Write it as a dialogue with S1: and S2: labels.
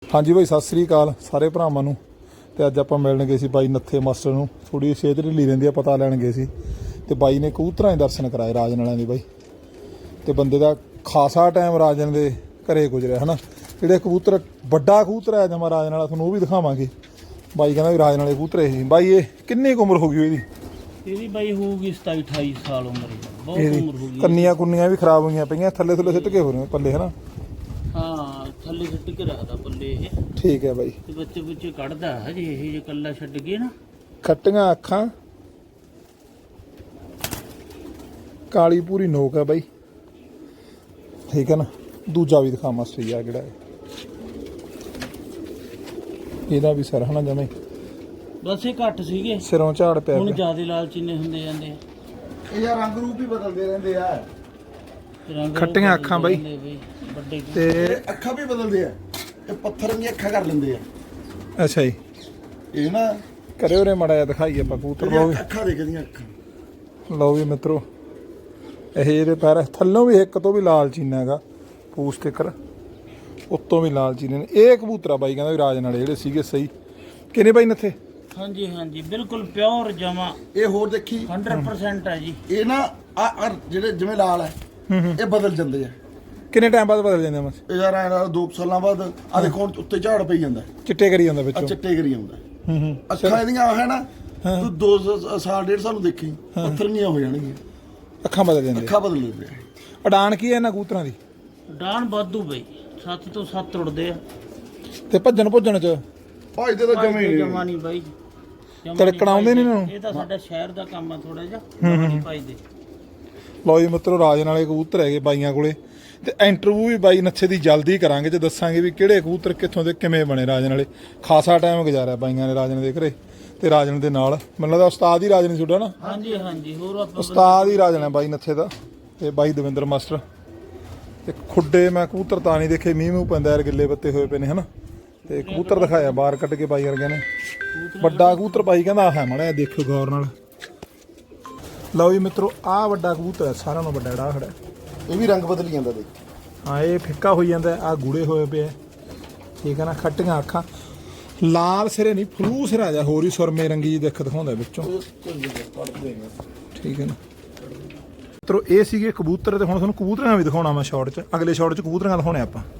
S1: हाँ जी भाई सत श्री अकाल सारे भरावां नूं। ते अज आपां मिलण गए सी बाई नत्थे मास्टर नूं। थोड़ी सेहत ढिल्ली रहिंदी आ, पता लैण गए सी ते बाई ने कबूतरां दे दर्शन कराए राजन वालियां दे बाई। ते बंदे दा खासा टाइम राजन दे घरे गुजरिया है ना। जिहड़े कबूतर वड्डा कबूतर है जमा राजन वाला तुहानूं ओह भी दिखावांगे। बाई कहंदा भी राजन वाले कबूतर ही बाई। ये किन्नी उम्र हो गई इहदी?
S2: ਇਹਦੀ ਬਾਈ ਹੋਊਗੀ 27-28 ਸਾਲ ਉਮਰ। ਬਹੁਤ ਉਮਰ ਹੋ ਗਈ।
S1: ਕੰਨੀਆਂ ਕੁੰਨੀਆਂ ਵੀ ਖਰਾਬ ਹੋਈਆਂ ਪਈਆਂ, ਥੱਲੇ ਥੱਲੇ ਸਿੱਟ ਕੇ ਹੋ ਰਹੇ ਪੱਲੇ ਹੈ ਨਾ।
S2: ਹਾਂ ਥੱਲੇ ਸਿੱਟ ਕੇ ਰੱਖਦਾ ਪੱਲੇ ਇਹ।
S1: ਠੀਕ ਹੈ ਬਾਈ।
S2: ਤੇ ਬੱਚੇ ਬੁੱਚੇ ਕੱਢਦਾ ਹਜੇ ਇਹ ਜੇ ਕੱਲਾ ਛੱਡ ਗਏ ਨਾ।
S1: ਖੱਟੀਆਂ ਅੱਖਾਂ, ਕਾਲੀ ਪੂਰੀ ਨੋਕ ਹੈ ਬਾਈ। ਠੀਕ ਹੈ ਨਾ। ਦੂਜਾ ਵੀ ਦਿਖਾ ਮਾਸਟਰ ਜੀ ਆ ਕਿਹੜਾ ਹੈ। ਇਹਦਾ ਵੀ ਸਰ ਹਨਾ ਜਮੇ
S2: ਬਸ ਇਹ ਘੱਟ ਸੀਗੇ,
S1: ਸਿਰੋਂ ਝਾੜ ਪਿਆ
S2: ਹੁਣ
S1: ਪਿਆ।
S2: ਜ਼ਿਆਦੇ ਲਾਲਚੀਨੇ ਹੁੰਦੇ ਜਾਂਦੇ ਆ।
S3: ਇਹ ਯਾਰ ਰੰਗ ਰੂਪ ਹੀ ਬਦਲਦੇ ਰਹਿੰਦੇ ਆ।
S2: ਰੰਗ
S1: ਖੱਟੀਆਂ ਅੱਖਾਂ ਬਾਈ
S2: ਵੱਡੇ
S1: ਤੇ
S3: ਅੱਖਾਂ ਵੀ ਬਦਲਦੇ ਆ। ਇਹ ਪੱਥਰ ਦੀਆਂ ਅੱਖਾਂ ਕਰ ਲੈਂਦੇ ਆ।
S1: ਅੱਛਾ ਜੀ।
S3: ਇਹ ਨਾ
S1: ਕਰੇ ਉਰੇ ਮੜਾ ਜਿਹਾ ਦਿਖਾਈ ਆਪਾਂ ਕਬੂਤਰ। ਲਓ ਵੀ
S3: ਅੱਖਾਂ ਦੇਖਦੀਆਂ ਅੱਖਾਂ।
S1: ਲਓ ਵੀ ਮਿੱਤਰੋ, ਇਹ ਇਹਦੇ ਪੈਰ ਥੱਲੋਂ ਵੀ ਇੱਕ ਤੋਂ ਵੀ ਲਾਲ ਚੀਨਾ ਹੈਗਾ, ਪੂਛ ਤੇ ਕਰ ਉੱਤੋਂ ਵੀ ਲਾਲ ਚੀਨੇ ਨੇ। ਇਹ ਕਬੂਤਰਾ ਬਾਈ ਕਹਿੰਦਾ ਵੀ ਰਾਜਨ ਵਾਲੇ ਜਿਹੜੇ ਸੀਗੇ ਸਹੀ ਕਿਨੇ ਬਾਈ ਨੱਥੇ।
S2: ਹਾਂਜੀ ਹਾਂਜੀ ਬਿਲਕੁਲ ਪਿਓਰ ਜਮਾ
S3: ਇਹ ਹੋਰ ਦੇਖੀ
S2: 100% ਹੈ ਜੀ।
S3: ਇਹ ਨਾ ਆ ਜਿਹੜੇ ਜਿਵੇਂ ਲਾਲ ਹੈ ਇਹ ਬਦਲ ਜਾਂਦੇ ਆ।
S1: ਕਿੰਨੇ ਟਾਈਮ ਬਾਅਦ ਬਦਲ ਜਾਂਦੇ ਮਸ?
S3: ਇਹ ਯਾਰ ਐਂ 2 ਸਾਲਾਂ ਬਾਅਦ ਆ ਦੇਖੋ ਹੁਣ ਉੱਤੇ ਝਾੜ ਪਈ ਜਾਂਦਾ,
S1: ਚਿੱਟੇ ਕਰੀ ਜਾਂਦਾ
S3: ਆ
S1: ਵਿੱਚੋਂ।
S3: ਚਿੱਟੇ ਕਰੀ ਆਉਂਦਾ।
S1: ਹੂੰ
S3: ਅੱਖਾਂ ਇਹਦੀਆਂ ਹੈ ਨਾ, ਤੂੰ 2 ਸਾਲ 1.5 ਸਾਲ ਨੂੰ ਦੇਖੀ ਪੱਥਰੀਆਂ ਹੋ ਜਾਣਗੀਆਂ।
S1: ਅੱਖਾਂ ਬਦਲ ਜਾਂਦੇ।
S3: ਅੱਖਾਂ ਬਦਲ ਜਾਂਦੇ ਆ।
S1: ਉਡਾਨ ਕੀ ਹੈ ਇਹਨਾਂ ਕਬੂਤਰਾਂ ਦੀ?
S2: ਡਾਨ ਵਾਧੂ ਬਈ 7 ਤੋਂ 7 ਉੜਦੇ ਆ।
S1: ਤੇ ਭੱਜਣ ਚ
S3: ਭਾਜਦੇ ਤਾਂ ਜਮੇ ਹੀ
S2: ਜਮਾ ਨਹੀਂ ਬਾਈ,
S1: ਤੜਕਣ ਆਉਂਦੇ ਨੀ ਇਹਨਾਂ ਨੂੰ?
S2: ਇਹ ਤਾਂ ਸਾਡਾ ਸ਼ਹਿਰ ਦਾ ਕੰਮ ਆ ਥੋੜਾ ਜਿਹਾ, ਜਮਾ ਨਹੀਂ ਪਾਈਦੇ।
S1: ਲਓ ਜੀ ਮਿੱਤਰੋ, ਰਾਜਨ ਵਾਲੇ ਕਬੂਤਰ ਹੈਗੇ ਬਾਈਆਂ ਕੋਲੇ। ਤੇ ਇੰਟਰਵਿਊ ਵੀ ਬਾਈ ਨੱਥੇ ਦੀ ਜਲਦੀ ਕਰਾਂਗੇ ਤੇ ਦੱਸਾਂਗੇ ਵੀ ਕਿਹੜੇ ਕਬੂਤਰ ਕਿੱਥੋਂ ਦੇ ਕਿਵੇਂ ਬਣੇ ਰਾਜਨ ਵਾਲੇ। ਖਾਸਾ ਟਾਈਮ ਗੁਜ਼ਾਰਿਆ ਬਾਈਆਂ ਨੇ ਰਾਜਨ ਦੇ ਘਰੇ ਤੇ ਰਾਜਨ ਦੇ ਨਾਲ। ਮੈਨੂੰ ਲੱਗਦਾ ਉਸਤਾਦ ਹੀ ਰਾਜਨ ਤੁਹਾਡਾ ਨਾ?
S2: ਹਾਂਜੀ ਹਾਂਜੀ ਹੋਰ ਆਪਾਂ
S1: ਉਸਤਾਦ ਹੀ ਰਾਜਨ ਹੈ ਬਾਈ ਨੱਥੇ ਦਾ। ਤੇ ਬਾਈ ਦਵਿੰਦਰ ਮਾਸਟਰ। ਤੇ ਖੁੱਡੇ ਮੈਂ ਕਬੂਤਰ ਤਾਂ ਨਹੀਂ ਦੇਖੇ, ਮੀਂਹ ਪੈਂਦਾ ਯਾਰ, ਗਿੱਲੇ ਪੱਤੇ ਹੋਏ ਪਏ ਨੇ ਹਨਾ। ਤੇ ਕਬੂਤਰ ਦਿਖਾਇਆ ਬਾਹਰ ਕੱਢ ਕੇ ਬਾਈ ਵਰਗਿਆਂ ਨੇ। ਵੱਡਾ ਕਬੂਤਰ ਬਾਈ ਕਹਿੰਦਾ ਆਹ ਹੈ, ਮਾੜਾ ਦੇਖਿਓ ਗੌਰ ਨਾਲ। ਲਓ ਜੀ ਮਿੱਤਰੋ, ਆਹ ਵੱਡਾ ਕਬੂਤਰ ਹੈ ਸਾਰਿਆਂ ਨਾਲੋਂ ਵੱਡਾ ਜਿਹੜਾ ਖੜਾ।
S3: ਇਹ ਵੀ ਰੰਗ ਬਦਲ ਜਾਂਦਾ ਦੇਖ।
S1: ਹਾਂ ਇਹ ਫਿੱਕਾ ਹੋਈ ਜਾਂਦਾ, ਆਹ ਗੂੜੇ ਹੋਏ ਪਏ। ਠੀਕ ਹੈ ਨਾ। ਖੱਟੀਆਂ ਅੱਖਾਂ, ਲਾਲ ਸਿਰੇ ਨਹੀਂ ਫਲੂ ਸਿਰਾ ਜਾ ਹੋਰ ਹੀ ਸੁਰਮੇ ਰੰਗੀ ਜੀ ਦਿੱਖ ਦਿਖਾਉਂਦਾ ਵਿੱਚੋਂ। ਠੀਕ ਹੈ ਨਾ ਮਿੱਤਰੋ, ਇਹ ਸੀਗੇ ਕਬੂਤਰ। ਤੇ ਹੁਣ ਤੁਹਾਨੂੰ ਕਬੂਤਰਾਂ ਵੀ ਦਿਖਾਉਣਾ ਮੈਂ ਸ਼ਾਰਟ 'ਚ। ਅਗਲੇ ਸ਼ਾਰਟ 'ਚ ਕਬੂਤਰਾਂ ਦਿਖਾਉਣੇ ਆਪਾਂ।